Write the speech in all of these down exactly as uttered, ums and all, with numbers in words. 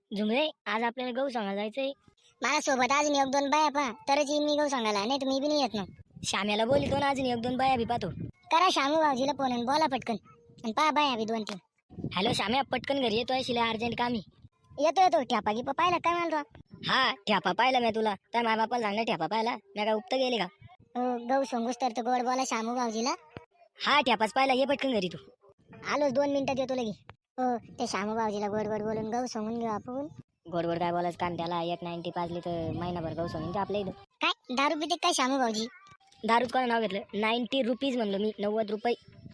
झुमरे, आज आपल्याला गहू सांगायला जायचंय. मला सोबत अजून एक दोन बाया पहा तरच येईन मी गहू सांगायला, नाही तर मी बी नाही येत मग. श्याम्याला बोलितो ना, अजून एक दोन बाया बी पाहतो. करा शामू भाऊजीला फोन आणि बोला पटकन आणि पहा बाया बी दोन तीन. हॅलो श्याम्या, पटकन घरी येतोय, शिला अर्जंट कामी. येतो येतो ठ्यापा गिपा पाहिला काय मला तो? हा, ठ्यापा पाहिला मी तुला. त्या माय बापाला सांगणार ठ्यापा पाहिला मी काय उपत गेले का? हो, गहू सांगूस तर तो गोड बोला शामू भाऊजीला. हा, ठ्यापाच पाहिला, ये पटकन घरी तू. आलोच दोन मिनिटात येतो लगे. हो, ते शामू भाऊजीला गोड गोड बोलून गहू सांगून घेऊ आपण. गोड गोड काय बोलायचं काम त्याला? एक नाईन्टी पाजली तर महिनाभर गहू सांगून ते आपल्या इथं. काय दारू पिते काय शामू भाऊजी? दारूच कोणा नाव घेतलं? नाईन्टी रुपीज म्हणलो मी, नव्वद रुपये.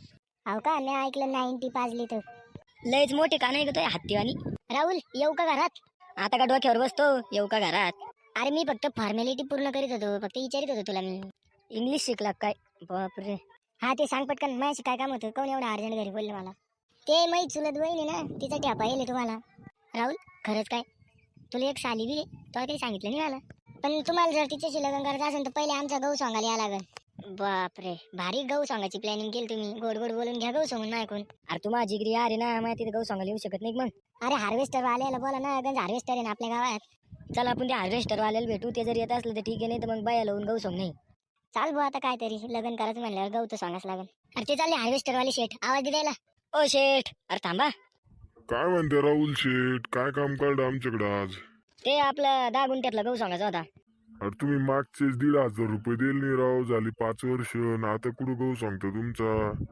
हो का, मी ऐकलं नाईन्टी पाजली तर. लयच मोठे का नाही घेतोय हत्तीवानी. राहुल येऊ का घरात? आता का डोक्यावर बसतो? येऊ का घरात? अरे मी फक्त फॉर्मॅलिटी पूर्ण करीत होतो, फक्त विचारित होतो तुला मी. इंग्लिश शिकला काय? बापरे. हा ते सांग पटकन, माझ्याशी काय काम होतं? कोण एवढं अर्जंट घरी बोललं मला? ते माहीत चुलत बहीण आहे ना, तिचा ठ्यापा येईल तुम्हाला. राहुल खरंच काय? तुला एक साली बी तुला काही सांगितलं नाही मला. पण तुम्हाला जर तिच्याशी लग्न करायचं असेल तर पहिले आमचा गहू सांगायला या लागेल. बापरे, भारी गहू सांगायची प्लॅनिंग केली तुम्ही. गोड गोड बोलून घ्या गहू सांगून ऐकून. अरे तू माझी जिगरी अरे ना, माझ्या तिथे गहू सांगायला येऊ शकत नाही मग. अरे हार्वेस्टर वाल्याला बोला ना, गंज हार्वेस्टर आहे ना आपल्या गावात. चल आपण त्या हार्वेस्टर वाल्याला भेटू, ते जर येत असलं तर ठीक आहे, नाही तर मग बाया लावून गहू सांग नाही. चाल भाऊ, आता काय तरी लग्न करायचं म्हणल्यावर गहू तर सांगाच लागेल. अरे ते चालले हार्वेस्टर वाले शेठ, आवाज द्यायला. ओ शेठ, अरे थांबा. काय म्हणते राहुल शेठ, काय काम काढलं आमच्याकडे आज? ते आपलं दहा गुंठ्यातला गहू सांगायचा होता. अरे तुम्ही मागचेच दीड हजार रुपये दिले नाही राव, झाली पाच वर्ष न आता कुठं गहू सांगतो तुमचा?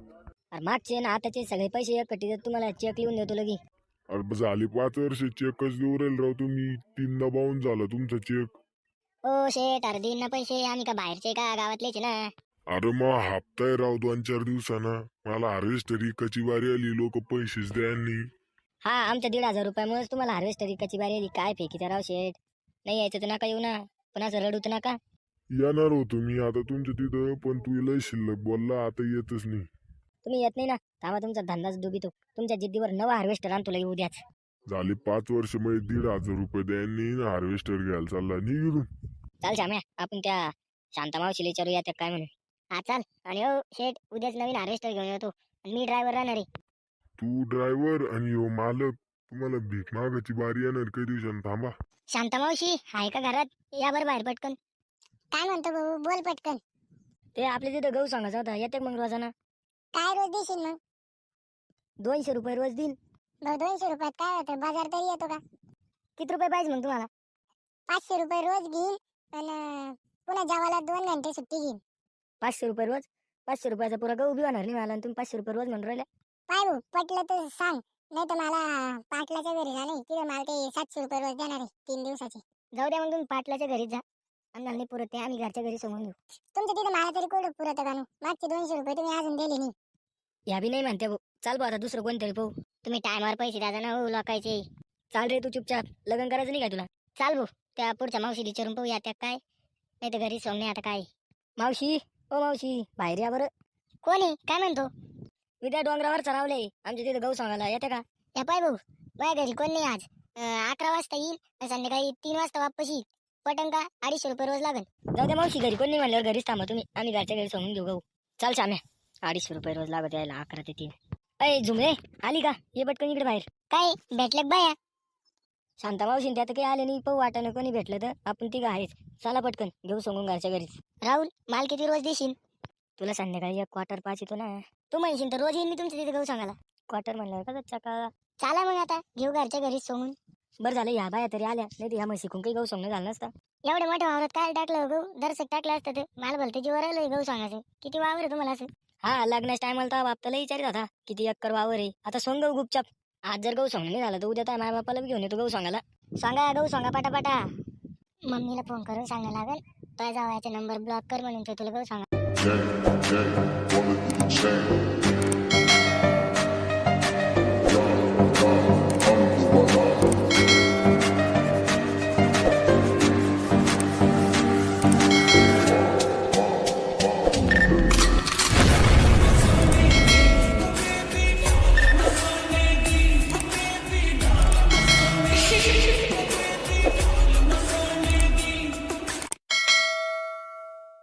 अरे मागचे ना आताचे सगळे पैसे एकटी देत तुम्हाला, चेक लिहून देतो लगी. अरे झाली पाच वर्ष चेकच देऊ राहील राव तुम्ही, तीनदा बाहून झाला तुमचा चेक. ओ शेठ, अरे देईन ना पैसे, आम्ही का बाहेरचे का गावातलेच ना. अरे मग हप्ताय राव दोन चार दिवसानं, मला हार्वेस्टर इकाची बारी आली, लोक पैसेच द्यांनी. हा, आमच्या दीड हजार रुपयामुळेच तुम्हाला हार्वेस्टर इकाची बारी आली. काय फेकीचा राव शेठ, नाही यायचं तर नका येऊ ना, पण असं रडू तर नका. येणार होतो मी आता तुमच्या तिथं, पण तू लय शिल्लक बोलला, आता येतच नाही. तुम्ही येत नाही ना, थांबा तुमचा धंदाच डुबितो. तुमच्या जिद्दीवर नवा हार्वेस्टर आणतो लगी उद्याच. झाली पाच वर्ष मध्ये दीड हजार रुपये द्यांनी हार्वेस्टर घ्यायला चालला निघून. चाल श्याम्या, आपण त्या शांता मावशीला विचारू या त्या काय म्हणून. हा चाल. आणि हो शेठ, उद्याच नवीन हार्वेस्टर घेऊन येतो आणि मी ड्रायव्हर राहणार आहे. तू ड्रायव्हर आणि हो मालक, तुम्हाला भीक मागायची बारी येणार काही दिवसांनी, थांबा. शांता मावशी आहे का घरात? या बरं बाहेर पटकन. काय म्हणतो भाऊ, बोल पटकन. ते आपल्या तिथं गहू सांगायचा होता, येते मग रोजाना. काय रोज देशील मग? दोनशे रुपये रोज देईन. भाऊ दोनशे रुपयात काय होतं, बाजार तरी येतो का? किती रुपये पाहिजे मग तुम्हाला? पाचशे रुपये रोज घेईन आणि पुन्हा जेवायला दोन घंटे सुट्टी घेईन. पाचशे रुपये रोज? पाचशे रुपयाचा पुरा गहू बी होणार नाही मला, आणि तुम्ही पाचशे रुपये रोज म्हणून राहिल्या. काय भाऊ, पटलं तर सांग, नाही तर मला पाटलाच्या घरी जा, नाही तिथे मला ते सातशे रुपये रोज देणार आहे तीन दिवसाचे. जाऊ द्या मग, तुम्ही पाटलाच्या घरी जा. आम्हाला नाही पुरत ते, आम्ही घरच्या घरी समजून घेऊ. तुमच्या तिथे मला तरी कुठं पुरत का? मागचे दोनशे रुपये तुम्ही अजून दिले नाही. या बी नाही म्हणते भाऊ. चाल भाऊ, आता दुसरं कोणतरी पाहू. तुम्ही टायमावर पैसे द्या ना हो लोकायचे. चाल रे, तू चुपचाप. लग्न करायचं नाही काय तुला? चाल भाऊ, त्या पुढच्या मावशी विचारून पाहूया त्या काय, नाही तर घरी सोंगणे आता काय. मावशी, ओ मावशी, बाहेर या बरं. कोण आहे? काय म्हणतो? मी त्या डोंगरावर चरावले, आमच्या तिथे गहू सांगायला येते का? या पाय भाऊ, माझ्या घरी कोण नाही आज. अं, अकरा वाजता येईल आणि संध्याकाळी तीन वाजता वापस येईल. पटंग का? अडीचशे रुपये रोज लागेल. जाऊ द्या मावशी, घरी कोण नाही म्हणल्यावर घरीच थांबा तुम्ही, आम्ही घरच्या घरी सांगून घेऊ गहू. चाल श्याम्या, अडीचशे रुपये रोज लागत यायला, अकरा ते तीन. अय झुमरे, आली का? ये पटकन इकडे बाहेर. काय भेटलं बाया? शांता मावशी त्यात काही आले नाही, पाहू वाटानं कोणी भेटलं तर आपण तिघं आहेच. चला पटकन घेऊ सांगून घरच्या घरीच. राहुल, माल किती रोज देशील? तुला संध्याकाळी एक क्वार्टर पाच येतो ना. तू म्हणशील तर रोज येईल मी तुमच्या तिथे गहू सांगायला. क्वार्टर म्हणलं का कच्चा का? चाला मग आता घेऊ घरच्या घरीच सोंगून. बरं झालं ह्या बाया तरी आल्या, नाही तर ह्या म्हशी काही गहू सांगणं झालं नसतं. एवढ्या मोठ्या वावरात काय टाकलं गहू? दरसक टाकलं असतं ते. मला भलते जीवर आलं गहू सांगायचं. किती वावर आहे तुम्हाला असं? हा, लग्नाच्या टायमाला तर बापताला विचारित होता किती एकर वावर आहे. आता सोंग गहू गुपचाप. आज जर गहू सांगणं नाही झालं तर उद्या तर माय बापाला बी घेऊन येतो गहू सांगायला. सांगा गहू सांगा पटापटा. मम्मीला फोन करून सांगायला लागेल, तो जावायचा नंबर ब्लॉक कर म्हणून, तो तुला गहू सांगा. Gang, gang, wanna do the chain.